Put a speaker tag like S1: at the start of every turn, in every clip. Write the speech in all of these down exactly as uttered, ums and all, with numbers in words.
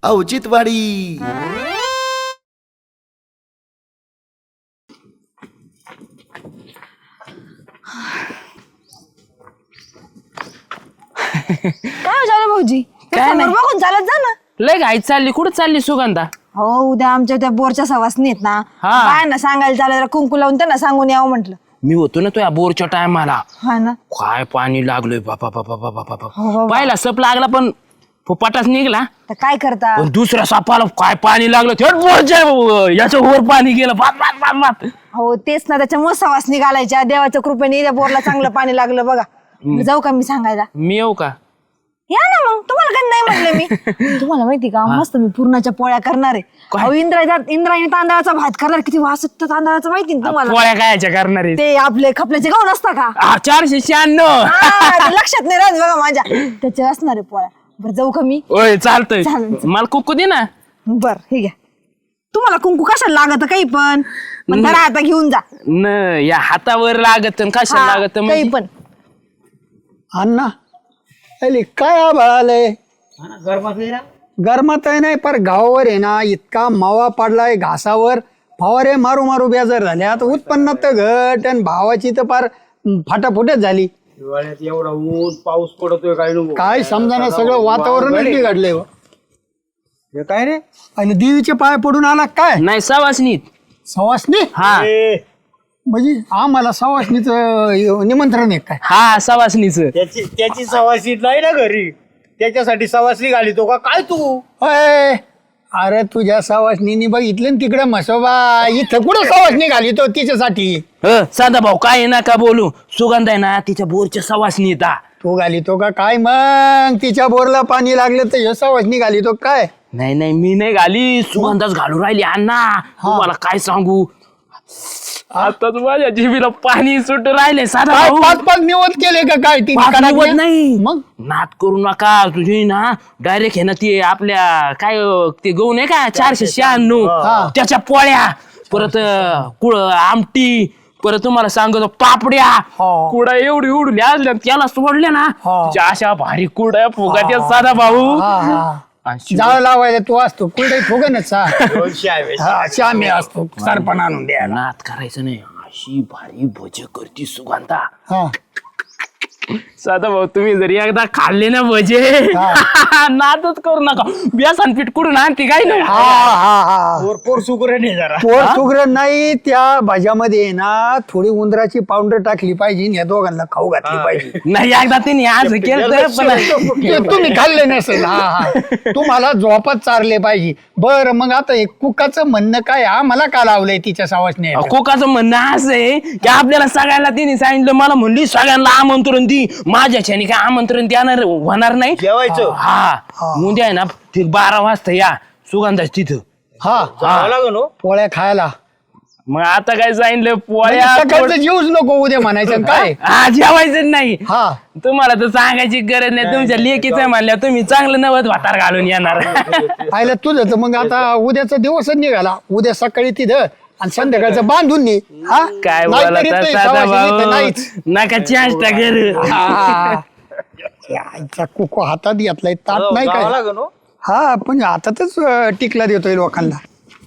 S1: औचित्यवाडी.
S2: काय झालं भाऊजी?
S3: काय नाही.
S2: बघून चालत जा ना.
S3: लय घाई चालली कुठं चालली सुगंधा?
S2: हो उद्या आमच्या त्या बोरच्या सवासनी आहेत ना,
S3: हा.
S2: काय ना सांगायला चालायला कुंकू लावून त्यांना सांगून यावं म्हटलं.
S3: मी होतो ना तुझ्या बोरच्या टायमाला,
S2: हा ना.
S3: काय पाणी लागलोय बापा बापा बापा
S2: हो
S3: बापा.
S2: बाबा.
S3: पहिला सप लागला पण फुपाटाच निघला,
S2: तर काय करता?
S3: पण दुसऱ्या सापाला काय पाणी लागलं थेट बोरच्या याच्या वर पाणी गेलं बाप बाप बाप बाप.
S2: हो तेच ना, त्याच्यामुळे सवासनी घालायच्या. देवाच्या कृपेने त्या बोरला चांगलं पाणी लागलं बघा. जाऊ का मी सांगायला?
S3: मी येऊ का?
S2: या ना मग, तुम्हाला काही नाही म्हटलं मी. तुम्हाला माहिती का, मस्त मी पूर्णाच्या पोळ्या करणार आहे. अहो, इंद्रायचा इंद्रायणी तांदळाचा भात करणार. किती वास येतो तांदळाचा माहिती ना तुम्हाला?
S3: पोळ्या कायच्या करणार आहे?
S2: ते आपले खपल्याचे गहू नसता का?
S3: हा, चारशे शहाण्णव.
S2: हा, ते लक्षात नाही राहत बघा माझ्या. त्याचे असणार आहे पोळ्या. बरं जाऊ का मी?
S3: ओय चालतंय.
S2: चालेल, चालेल.
S3: मला कुकू दे ना.
S2: बर हे घ्या. तुम्हाला कुंकू कशाला लागत काही पण, पण धरा आता घेऊन जा.
S3: न या हातावर लागत न कशाला
S2: हा,
S3: लागत
S2: काही
S3: म्हणजे?
S2: पण.
S4: अण्णा अरे काय आभाळ आलंय? गरमात आहे नाही पर गावावर आहे ना इतका मावा पडलाय घासावर, फवारे मारू मारू बेजार झाले. आता उत्पन्नात तर घट आणि भावाची तर फार फाटाफुटच झाली.
S5: हिवाळ्यात एवढा ऊन पाऊस पडतोय काय नको
S4: काय समजाना सगळं वातावरणच बिघडलंय हो.
S5: हे काय रे
S4: आणि देवीचे पाय पडून आला काय?
S3: नाही सवासनीत.
S4: सवासनी
S3: हा
S5: ए,
S4: म्हणजे आम्हाला सवासनीचं निमंत्रण आहे काय?
S3: हा सवासनीच.
S5: त्याची त्याची सवासी नाही ना घरी, त्याच्यासाठी सवासी घालितो का काय तू?
S4: अय, अरे तुझ्या सवासनीनी बघितलं ना तिकडे म्हसोबा, इथं कुठं सवासनी घाली तो तिच्यासाठी?
S3: साधा भाऊ काय नका बोलू, सुगंध आहे ना तिच्या बोरच्या सवासनी येता.
S4: तू घाली तो का काय? मग तिच्या बोरला पाणी लागलं तर सवासनी घाली तो काय?
S3: नाही नाही मी नाही घाली, सुगंधाच घालू राहिली अण्णा. तुम्हाला काय सांगू, आता माझ्या जिभेला पाणी सुट राहिले. साधा
S4: काय
S3: भाऊ
S4: पाच पाच निवत केले का काय? ती
S3: पाच
S4: कडाकण्या?
S3: निवत नाही.
S4: मग
S3: नाद करू नका तुझी ना, डायरेक्ट हे ना ते आपल्या काय अं, ते गहू नाही का चारशे शहाण्णव त्याच्या पोळ्या, परत अं, कुळ आमटी, परत तुम्हाला सांगतो पापड्या.
S4: हो.
S3: कुडा एवढी उडली असल्या त्याला सोडल्या ना,
S4: हो.
S3: त्या अशा भारी कुड्या फुगात्या साधा भाऊ.
S4: हा, हा.
S3: आणि शिवाय-
S4: जाळ लावायला तू असतो कुठे फुगनच
S5: दोनशे आहे.
S4: हा श्यामी असतो सरपण आणून द्यायला.
S3: नाद करायचं नाही, अशी भारी भज करती सुगंधा.
S4: हा.
S3: साधा भाऊ तुम्ही जरी एकदा खाल्ले ना भजे, नादच करू नका. बेसन पीठ कुठून आणते काय नाही.
S4: हा, हा, हा.
S5: पोर पोर सुगरण आहे जरा.
S4: पोर सुगरण नाही, त्या भाज्यामध्ये आहे ना थोडी उंदराची पावडर टाकली पाहिजे आणि या दोघांना खाऊ घातली पाहिजे.
S3: नाही एकदा त्यांनी आज केलं पण
S4: ते तुम्ही खाल्ले नसेल. हा, हा. तुम्हाला झोपत चारले पाहिजे. बरं मग आता हे कुकाचं म्हणणं काय? हा मला का लावलंय तिच्या सावसने?
S3: कोकाचं म्हणणं असं आहे की आपल्याला सगळ्यांना तिने सांगितलं, मला म्हणली सगळ्यांना आमंत्रण दी. माझ्याच्याने काय आमंत्रण देणार होणार नाही.
S5: जेवायचं
S3: हा उद्या आहे ना ठीक बारा वाजता या सुगंधाच तिथं.
S4: हा
S5: जावं लागेल हो.
S4: पोळ्या खायला.
S3: मग आता काय सांगितलं, पोळ्या
S4: सकाळचं जेवूच नको उद्या म्हणायचं काय?
S3: हा जेवायचं नाही.
S4: हा
S3: तुम्हाला तर सांगायची गरज नाही, तुमच्या लेकीचं म्हणल्या तुम्ही चांगलं नवत भातार घालून येणार.
S4: पाहिलं तुझं तर मग आता उद्याचा दिवसच निघाला. उद्या सकाळी तिथं आणि संध्याकाळचं बांधून नी. हा
S3: काय
S4: नाहीतरी
S3: बोला
S4: ते
S3: साधा
S4: सवासनी तर
S3: भाऊ,
S4: नाहीच.
S3: नका चेष्टा करू.
S4: हा. याचा कुको हातात घेतलाय ताट नाही
S5: जावं
S4: काय?
S5: लागेल हो.
S4: हा पण हातातच अं, टिकला देतोय लोकांना.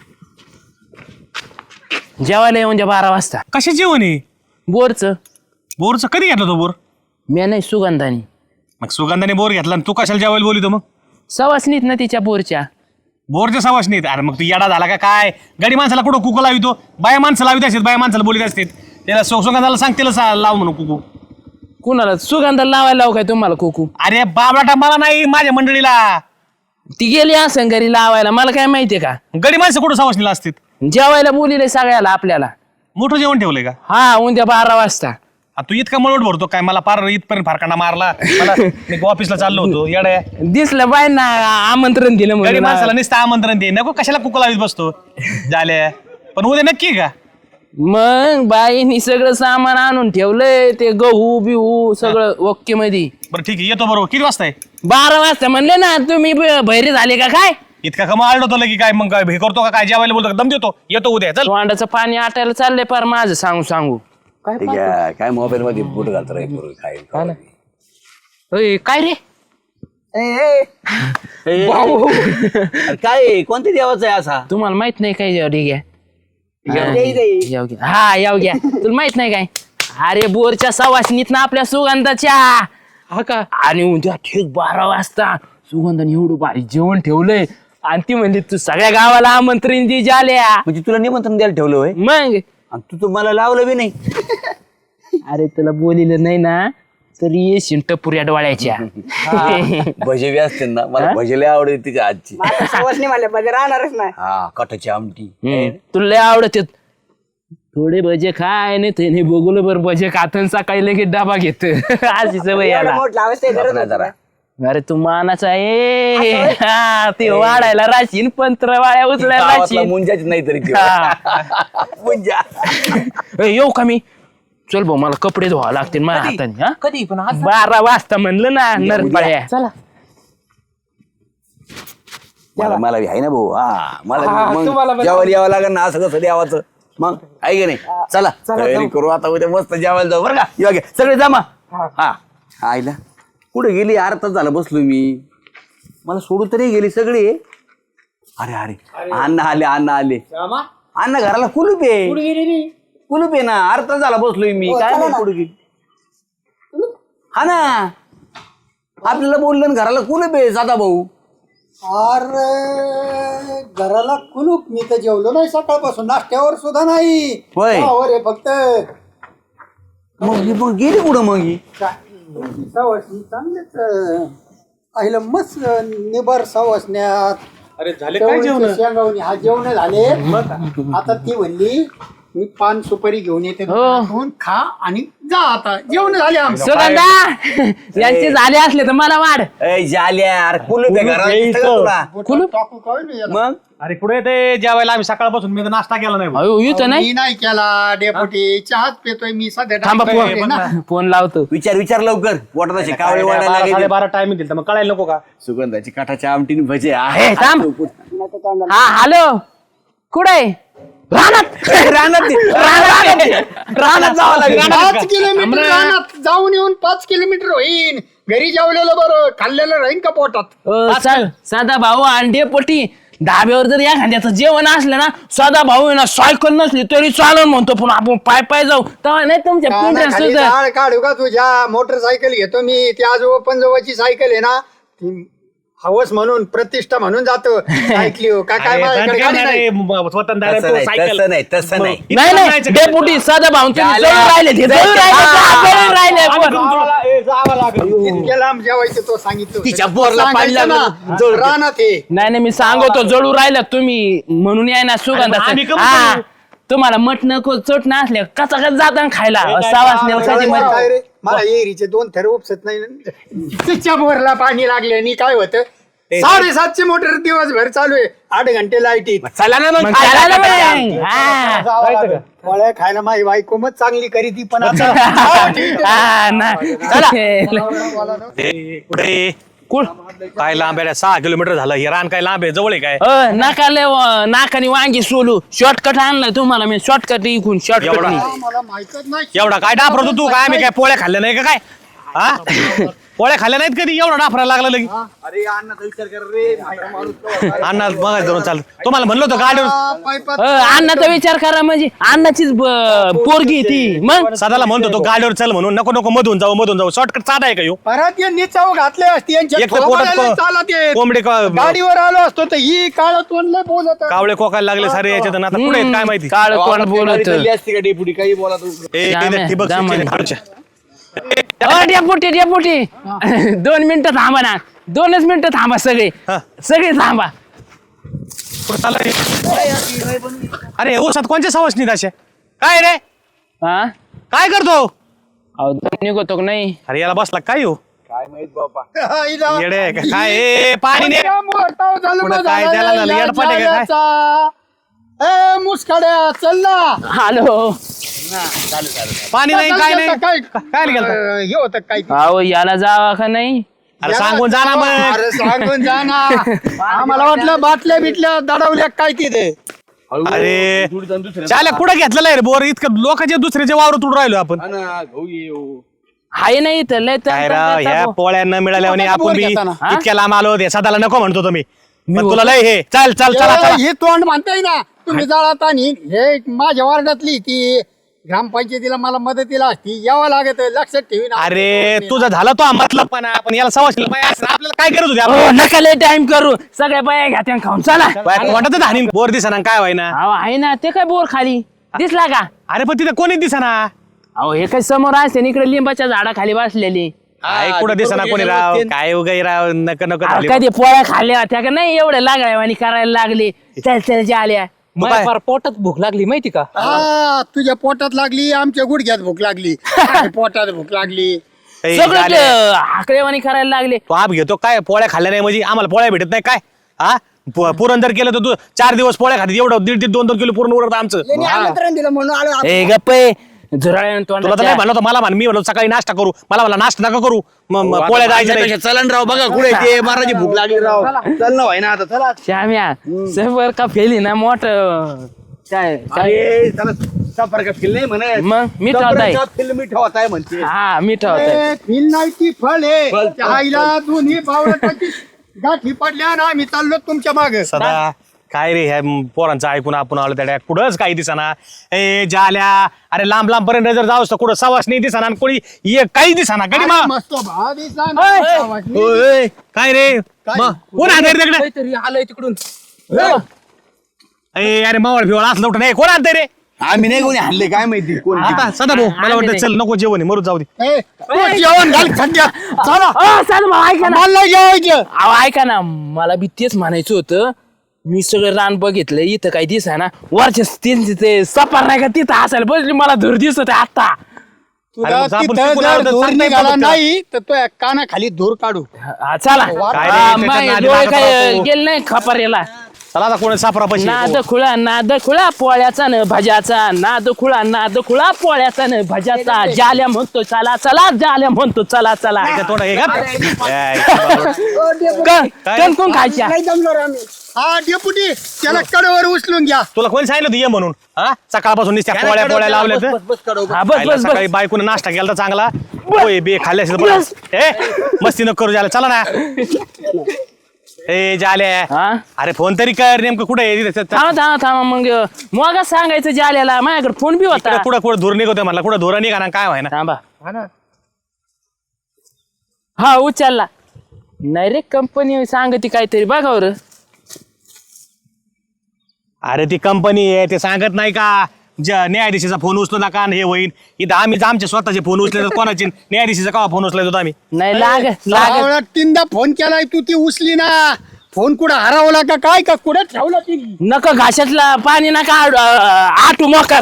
S3: जेवायला येऊन द्या बारा वाजता.
S6: कशा जेवण आहे?
S3: बोरचं.
S6: बोरचं कधी घेतला तो बोर?
S3: मी नाही सुगंधानी.
S6: मग सुगंधाने बोर घेतला आणि तू कशाला जेवायला बोलितो मग?
S3: सवासनीत ना तिच्या बोरच्या.
S6: बोरच्या सवाश नाहीत. अरे मग तू येडा झाला का काय? गाडी माणसाला कुठं कुकू लावितो? बाया माणसं लावित असतात, बाया माणसाला बोलीत असतात. त्याला सु- सुगंधाला सांग त्याला सा- लाव म्हणून कुकू.
S3: कुणाला सुगंधाला लावायला लावू काय तुम्हाला कुकू?
S6: अरे बाबा मला नाही, माझ्या मंडळीला.
S3: ती गेली असं घरी लावायला, मला काय माहितीये का?
S6: गडी माणसं कुठं सवाशनीला असतात?
S3: जेवायला बोलिले सगळ्याला आपल्याला.
S6: मोठं जेवण ठेवलंय का?
S3: हा उद्या बारा वाजता.
S6: आ, तू इतका मळवट भरतो काय? मला पार इथपर्यंत फारकांना मारला. मला मी ऑफिसला चाललो होतो येड्या.
S3: दिसलं बाय ना आमंत्रण दिलं
S6: गडी
S3: म्हणून.
S6: माणसाला नुसतं आमंत्रण दे, नको कशाला कुकू लावित बसतो झाल्या. पण उद्या नक्की का?
S3: मग बाईनी सगळं सामान आणून ठेवलंय, ते गहू बिहू सगळं ओके मध्ये.
S6: बरं ठीक आहे, येतो बरोबर. किती वाजता आहे?
S3: बारा वाजता म्हणले ना तुम्ही, ब- बहिरे झाले का काय?
S6: इतका कमा आलतो की काय? मग काय हे करतो का काय? जेवायला बोलतो का? दम देतो. येतो उद्या चल.
S3: तोंडाचं पाणी आटायला चाललंय पार माझं सांगू सांगू.
S7: ठीक आहे काय मोबाईल मध्ये बूट घालतो रे पोरं, काय
S3: अय, काय रे?
S1: काय कोणत्या देवाचा आहे असा?
S3: तुम्हाला माहित नाही काय जेव्हा ठीक आहे याव घ्या हा याव घ्या तुला माहित नाही काय अरे बोरच्या सवासनीत ना आपल्या सुगंधाच्या हा का आणि उद्या ठीक बारा वाजता सुगंधाने एवढं भारी जेवण ठेवलंय आणि ती म्हणजे तू सगळ्या गावाला आमंत्रण दे झाल्या
S1: म्हणजे तुला निमंत्रण द्यायला ठेवलं होय
S3: मग
S1: आणि तू तर मला लावलं बी नाही.
S3: अरे तुला बोलिलं नाही ना तरी येशील टपुऱ्या डोळ्याच्या
S1: भजे बी असते ना मला भजे लय आवडते तिच्या आजची.
S2: सवासनी म्हणल्या पाहिजे राहणारच नाही.
S1: हा कटाची आमटी.
S3: हम्म, तुला लय आवडत थोडे भजे खाय नाही ते बघूल बर भजे खातन सकाळी लगेच डबा घेत अशी सवय याला
S1: आपण जरा
S3: अरे तू मानाचा आहे हा, ते वाढायला राशीन पंत्र वाळ्या उचलायला
S1: गावातला
S3: राशीन
S1: मुंजाच नाही तरी ते. मुंजा
S3: ए, येऊ का मी चल भाऊ मला कपडे धुवा लागतील माझ्या हाताने हा कधी पण बारा वाजता म्हणलं ना नरपाळ्या चला
S1: मला मला बी आहे ना भाऊ हा मला बी मग जेवायला यावं लागेल ना असं कसं द्यावाचं मग आहे की नाही. चला तयारी करू आता उद्या मस्त जेवायला जाऊ बरं का येऊ घे सगळे जमा. हा आईला कुठे गेली अर्धा तास झाला बसलो मी मला सोडून तरी गेली सगळी. अरे अरे अण्णा आले अण्णा आले अण्णा घराला कुलूप आहे कुलूप आहे ना अर्धा तास झाला बसलोय मी काय नाही कुठे गेली हा ना आपल्याला बोललं ना घराला कुलूप आहे साधा भाऊ.
S4: अरे घराला कुलूप मी तर जेवलो नाही सकाळपासून नाश्त्यावर सुद्धा नाही.
S1: होय.
S4: चहावर आहे फक्त.
S1: मग ही मग गेली कुठं मग ही
S4: सवासनी चांगलेच आईला मस्त निबार सवासण्यात.
S6: अरे झाले काय जेवण
S4: शेंगावणी हा जेवण झाले. आता ती म्हणली मी पान सुपारी घेऊन येते दुकानातून, खा आणि जा आता जेवण झाले आमचं.
S3: सुगंधा यांचे झाले असले तर मला वाढ
S1: ए जाल्या अरे कुलूप आहे घराला दिसतं का तुला?
S3: कुलूप
S4: टाकू काय नाही याला.
S1: मग
S6: अरे कुठे ते जेवायला आम्ही सकाळपासून मी तर नाश्ता केला नाही भाऊ.
S3: अयो येतो नाही
S4: मी नाही केला डेपुटी चहाच पितोय मी सध्या.
S3: थांबा
S4: डायरेक्ट आहे ना.
S3: फोन फोन लावतो
S1: विचार विचार लवकर पोटात असे कावळे वाढायला
S6: बारा
S1: लागले.
S6: साडेबारा टाइम दिल तर मग कळायला नको का?
S1: सुगंधाची काठाच्या आमटीने भजे
S3: ए,
S1: आहे
S3: थांब. हा हॅलो कुठे रानात
S1: रानात ते, रानात ते, रानात जावं लागेल.
S4: पाच किलोमीटर रानात जाऊन येऊन पाच किलोमीटर होईन. घरी जेवलेलं बरं खाल्लेलं राहीन का पोटात.
S3: अ, चल साधा भाऊ अंडे पोटी धाब्यावर जर एखाद्याचं जेवण असलं ना साधा भाऊ आहे ना सायकल नसली तरी चालून म्हणतो पण आपण पाय पाय जाऊ तेव्हा नाही तुमच्या पिंढऱ्या
S4: कानाखाली
S3: सुद्धा
S4: झाड काढू का तुझ्या. मोटरसायकल घेतो मी ती आजोबा पंजोबाची सायकल आहे ना ती हवस म्हणून प्रतिष्ठा म्हणून जातो. ऐकली हो का काय
S6: अरे,
S4: माझ्याकडे
S6: दंड
S4: गाडी
S6: करणार
S4: नाही.
S6: आहे, स्वतंत्र आहे,
S1: तसं
S6: तो
S1: नाही,
S6: सायकल.
S1: तसं नाही तसं नाही
S6: इथं
S3: नाही नाही
S6: जायचं
S3: डेपुटी साधा भाऊ तुम्ही
S1: झालं.
S3: जळून राहिले ते, जळून राहिले का? जळून राहिले
S6: आम्ही
S3: पण.
S6: तुमच्या- ए, जावं लागेल.
S4: इतक्या लांब जेवायचं तो सांगितलं.
S1: तिच्या बोरला पाणी
S4: सांगायचं
S1: लागलं.
S4: ना, रानात हे
S3: नाही नाही मी सांगतो जळू राहिलं तुम्ही म्हणून याय ना
S6: अरे, आम्ही
S3: सुगंधा
S6: कमी
S3: हा
S6: करू.
S3: तुम्हाला मटण चट नसल्या कचा कच जाताना खायला सावासण्याला कधी
S4: काय
S3: मटण
S4: रे, मला एरीचे दोन थर उपसत नाही. तिच्या बोरला पाणी लागले आणि काय होतं साडेसातशे मोटर दिवसभर चालू आहे. आठ घंटे लाईट येत.
S1: चला ना मग
S3: मग
S1: खायला
S3: खायला
S1: टाका.
S3: नाही. हा.
S6: जायचं का?
S4: फळं खायला माझी बायको मग चांगली करी ती पण आता
S3: हा, ना.
S6: ए, कुठे कुळ काय लांब आहे सहा किलोमीटर झालं हे रान काय लांब आहे जवळ आहे काय?
S3: अ, नाका लय व- नाकाने वांगी सोलू शॉर्टकट आणलाय तुम्हाला मी शॉर्टकट इकून शॉर्टकट
S6: एवढा?
S4: मला माहितच नाही.
S6: एवढा काय डाफरतो तू काय आम्ही काय पोळ्या खाल्ल्या नाही का काय हा पोळ्या खाल्ल्या नाहीत कधी एवढा डाफरायला लागला लगी.
S4: अरे अण्णाचा विचार कर रे. म्हातारा माणूस तो.
S6: अण्णा बघा धरून चाल तुम्हाला म्हणलं होतं गाडीवर
S4: पायपात
S3: अण्णाचा विचार करा म्हणजे अण्णाचीच ब- पोरगी आहे ती मग
S6: सदाला म्हणतो तो गाडीवर चल म्हणून नको नको मधून जाऊ मधून जाऊ शॉर्टकट साधा आहे का ह्यो?
S4: परत यांनी चव घातले असते यांच्या
S6: एक तर पोटात
S4: थोबाडाला
S6: को-
S4: चालत येत.
S6: कोंबडी का-
S4: गाडीवर आलो असतो तर ही काळ तोंडलं बोलत.
S6: कावळे कोकायला लागले सारे याच्यात आणि आता पुढे आहेत काय माहिती
S3: काळ कोण बोलत
S1: चालली असती का डेपुटी काही बोला तू.
S6: ए,
S3: जाम
S6: इथे
S3: आहे,
S6: ठिबक
S3: जाम
S6: सिंचन
S3: आहे.
S6: खालच्या.
S3: डेपुटी डेपुटी दोन मिनिटं थांबा ना दोनच मिनिटं थांबा सगळे
S6: हा.
S3: सगळे थांबा
S6: कुठं चाललंय? अरे ऊसात कोणच्या सवासनीत अशा काय रे
S3: हा
S6: काय करतो
S3: अहो दम निघतो का नाही
S6: अरे याला बसला काय हो
S4: हिला-
S6: येडे आहे का? काय ए, पाणी ने
S4: इतका मोठा झाला
S6: पुढं
S4: बा
S6: काय
S4: झाला
S6: त्याला झालं?
S4: या
S6: येडपाट आहे का काय?
S4: जाल्याचा. ए मुसकाड्या चल ना.
S3: हॅलो
S6: पाणी नाही काय नाही
S4: काय
S6: काय नाही गेलता?
S4: अं, हे होतं काय
S3: अहो याला जावा का नाही
S6: अरे सांगून जा ना मग
S4: अरे सांगून जा ना. आम्हाला वाटलं बाटल्या बिटल्या दडवल्या काय तिथे.
S6: अरे चाल्या कुठं घेतलेला आहे रे बोर इतकं लोकांचे दुसऱ्याचे वावर तुडून राहिलो आपण
S3: हाय नाही तर लय तर-
S6: काय राव ह्या पोळ्या न मिळाल्याने
S4: कोणाचा
S6: आपण
S4: बोर
S6: बी
S4: घेताना?
S6: इतक्या लांब आलो होते सदाला नको म्हणतो तुम्ही पण तुला लय हे चल चल चला चला
S4: हे तोंड म्हणताय ना तुम्ही जाळात आणि हे माझ्या वार्डातली ती ग्रामपंचायतीला मला मदतीला असती यावं लागत लक्षात ठेवी ना.
S6: अरे तुझं झालं तो मतलब पण आपण याला सवाशीला बाया असं आपल्याला काय करत होते आपण?
S3: हो, नका लय टाइम करू सगळ्या बाया घ्या त्या खाऊन चला
S6: बाया वाटत हानी बोर दिसना काय व्हायना
S3: अहो आहे ना ते काय बोर खाली दिसला का
S6: अरे पण तिथे कोणी दिसना
S3: अहो हे काय समोर असते इकडे लिंबाच्या झाडाखाली बसलेली
S6: काय कुठं दिसना कोणी राव काय उगाई राव नक नको
S3: अहो,
S6: झाली.
S3: कधी पोळ्या खाल्ल्या होत्या का नाही एवढ्या लागल्या आणि करायला लागले चल चल जे आल्या
S6: मग काय?
S5: फार पोटात भूक लागली माहिती का
S4: हा तुझ्या पोटात लागली आमच्या गुडघ्यात भूक लागली काय पोटात भूक लागली
S6: ए,
S3: सगळं
S6: झाल्या.
S3: ते हाकलेवाणी करायला लागले
S6: तो आप घेतो काय पोळ्या खाल्ल्या नाही म्हणजे आम्हाला पोळ्या भेटत नाही काय हा पु- पुरण जर केलं तर तू चार दिवस पोळ्या खाते एवढं दीड दीड दोन दोन किलो पूर्ण उरत आमचं
S4: त्यांनी आमंत्रण दिलं म्हणून आलो आपण.
S3: ए गप्पे झुराळ्यानं
S6: तुला तर नाही
S3: तोंडाच्या.
S6: म्हणलं होतं मला म्हण मी म्हणलो सकाळी नाश्ता करू मला मला नाश्ता नका करू मग मग पोळ्या जायच्या नाही.
S1: चलन राव बघा कुठे ते महाराजी भूक लागली राव चल ना व्हाय ना आता चला
S3: श्याम्या सफर का फेली ना मोठ काय काय
S1: अरे चला सफर का फिल नाही म्हणे
S3: मग मी ठेवताय
S1: फिल्म मी ठेवत आहे म्हणते
S3: हा मी ठेवताय
S4: ए, फिल नाही ती फळ आहे
S1: फळ.
S4: त्या आईला दोन्ही बावळटाची गाठी पडल्या ना आम्ही चाललो तुमच्या मागे
S6: सदा काय रे ह्या पोरांचं ऐकून आपण आलो त्या कुठंच काही दिसाना ए जाल्या अरे लांब लांब पर्यंत जर जाऊस तर कुठं सवास नाही दिसाना आणि कोणी ये काही दिसाना गडी मा
S4: मस्त भाव दिसला ना, गावातली.
S6: ओय, काय रे मग कोण आणतंय रे तिकडे
S5: काहीतरी आलंय तिकडून
S6: ए अरे मावळ फिवळ असलं उठं नाही कोण आणतंय रे
S1: आम्ही नाही कोणी हल्ले काय माहिती कोण
S6: आता सदा भाऊ मला वाटतं चल नको जेवण आहे, मरू जाऊ दे
S4: ए, तू जेवण घाल सध्या चला
S3: अ, चाल भाऊ, ऐका ना
S4: मला नाही जेवायचं
S3: अहो ऐका ना मला बी तेच म्हणायचं होतं मी सगळं रान बघितलं इथं काही दिसाय ना वरच्या त्यांचे ते सपार नाही का तिथं असायला बसली मला धूर दिसत आहे आता
S4: तुला
S6: अरे, आपण
S4: तिथं
S6: चुकून
S4: जर
S6: आलो तर
S4: धूर
S6: सांगता येतं
S4: निघाला
S6: फक्त.
S4: नाही तर तो कानाखाली धूर काढू
S3: हा, चला
S6: काय रे,
S3: हा,
S6: त्याच्यात
S3: माय
S6: नादी
S3: डोळे
S6: लागत
S3: काय
S6: राहतो.
S3: गेले नाही खपारेला
S6: चला आता कोणी सापरा पैसे
S3: नाद खुळा नाद खुळा पोळ्याचा न भज्याचा नाद खुळा नाद खुळा पोळ्याचा न भज्याचा जाल्या म्हणतो चला चला जाल्या म्हणतो चला चला
S6: थोडं हे का ए,
S3: कण कण कोण खायच्या
S4: नाही जमलो रे आम्ही हा डेपुटी त्याला कडेवर उचलून घ्या
S6: तुला कोणी सांगितलं होतं ये म्हणून हा सकाळपासून नुसत्या पोळ्या पोळ्या लावल्या तर
S3: हा बस
S6: खायला
S3: बस
S6: सकाळी
S3: बस
S6: बायकोनं नाश्ता केला तर चांगला होय बे खाल्ल्या असेल बरं. ए मस्ती नको करू झालं चला ना ए जाले
S3: हा
S6: अरे फोन तरी कर नेमकं कुठे आहे तिथे
S3: थांबा थांबा थांबा मग मग सांगायचं जाल्याला माझ्याकडे फोन बी होता
S6: कुठं कुठं धूर निघतोय म्हणला कुठं धुरा निघा ना काय व्हायना
S3: थांबा हा उचलला नाही रे कंपनी सांगते काहीतरी बघा बरं
S6: अरे ती कंपनी आहे ते सांगत नाही का ज न्यायाधीशाचा फोन उचलू नका आणि हे होईल इथं आम्ही आमचे स्वतःचे फोन उचले तर कोणाचे न्यायाधीशाचा का फोन उचलायचो आम्ही
S3: नाही लाग लाग
S4: आवळा तीनदा फोन केलाय तू ती उचली ना फोन कुठं हरवला का काय का कुठं ठेवला ती
S3: नका घाशातला पाणी नका आड- आटू मोकर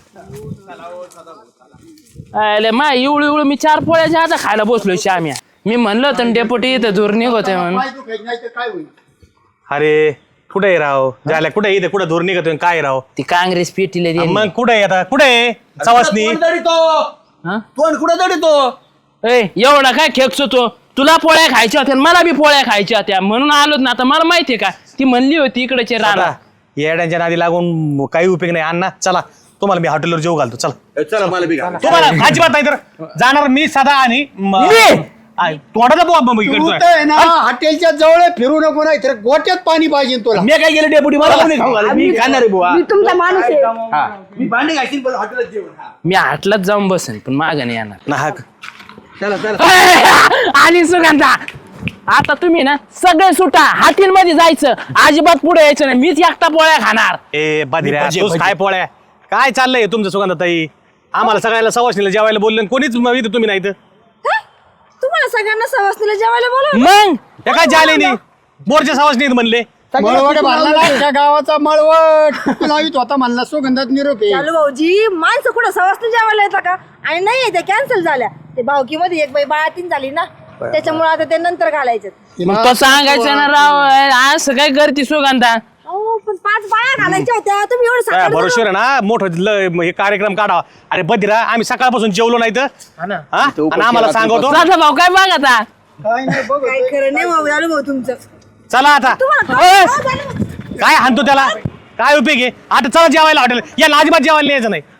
S3: अरे मा इवळू इवळू मी चार पोळ्याच्या आता खायला बसलो श्याम्या मी म्हणलं होतं डेपुटी इथं धूर निघतोय म्हणून
S4: काय दुखायचं नाही तर काय होईल
S6: अरे कुठे आहे राव झाल्या कुठे इथे कुठं धूर निघतोय काय राव
S3: ती काँग्रेस पेटीला दिली.
S6: मग कुठे आहे आता कुठे आहे सवासनी
S3: हा?
S1: तोंड कुठं तरी तो
S3: ए एवढा काय खेकसो तो तुला पोळ्या खायच्या होत्या आणि मला बी पोळ्या खायच्या होत्या म्हणून आलोच ना आता मला माहितीये का ती म्हणली होती इकडचे राणा
S6: आता येड्यांच्या नादी लागून काही उपयोग नाही अण्णा चला तुम्हाला मी हॉटेलवर जेव घालतो चला
S1: चला मला बी घाला.
S6: तुम्हाला अजिबात नाही तर जाणार मी सदा आणि म-
S3: मी?
S6: आय, तोंडाचा बुवा बंब
S4: तू
S6: इकडचा.
S4: तर आहे ना हॉटेलच्या जवळ फिरू नको नाही तर गोट्यात पाणी पाहिजे तुला
S1: मी काय केलं डेपुटी मला कोणी खाऊ घाला मी खाणार आहे बुवा
S2: मी तुमचा माणूस आहे
S1: हा. मी भांडे घालशील पण हॉटेलात जेवण हा.
S3: मी हाटलाच जाऊन बसेन पण माग नाही येणार
S6: ना, हा.
S1: चला चला
S3: आणि सुगंधा आता तुम्ही ना सगळे सुटा हाटील मध्ये जायचं अजिबात पुढे यायचं नाही मीच एकटा पोळ्या खाणार
S6: ए बाधिऱ्या
S1: भजे,
S6: तूच
S1: भजे.
S6: काय पोळ्या काय चाललंय तुमचं सुगंधाताई आम्हाला सगळ्याला सवासनीला जेवायला बोललं आणि कोणीच म- इथं तुम्ही नाही इथं.
S2: काय? तुम्हाला सगळ्यांना सवासनीला जेवायला बोला
S3: मग
S6: त्या काय झाले नाही बोरच्या सवासनीत म्हणले
S4: मळवट भरला ना त्या गावाचा मळवट तू लावित होता म्हणला सुगंधात निरोप आहे.
S2: चालू भाऊजी माणसं कुठं सवासनी जेवायला येतं का आणि नाही त्या कॅन्सल झाल्या ते भावकीमध्ये एक बाई बाळातीन झाली ना त्याच्यामुळे आता ते नंतर घालायचं
S3: मग तो सांगायचं ना राव असं काय करते सुगंधा
S2: अहो पण पाच बाया घालायच्या होत्या तुम्ही एवढं
S6: काय
S2: सकाळी
S6: भरोश्वर आहे ना मोठं ल- हे कार्यक्रम काढावा अरे बधिरा आम्ही सकाळपासून जेवलो नाही तर हा? आणि आम्हाला सांगतो
S3: राजा भाऊ काय बघ आता
S4: काय नाही बघ
S2: काय खरं नाही भाऊ झालं भाऊ तुमचं
S6: चला आता
S2: तुम्हाला
S6: ओय,
S2: काय झालं?
S6: काय हाणतो त्याला काय उपयोग आहे आता चला जेवायला हॉटेल या अजिबात जेवायला यायचं नाही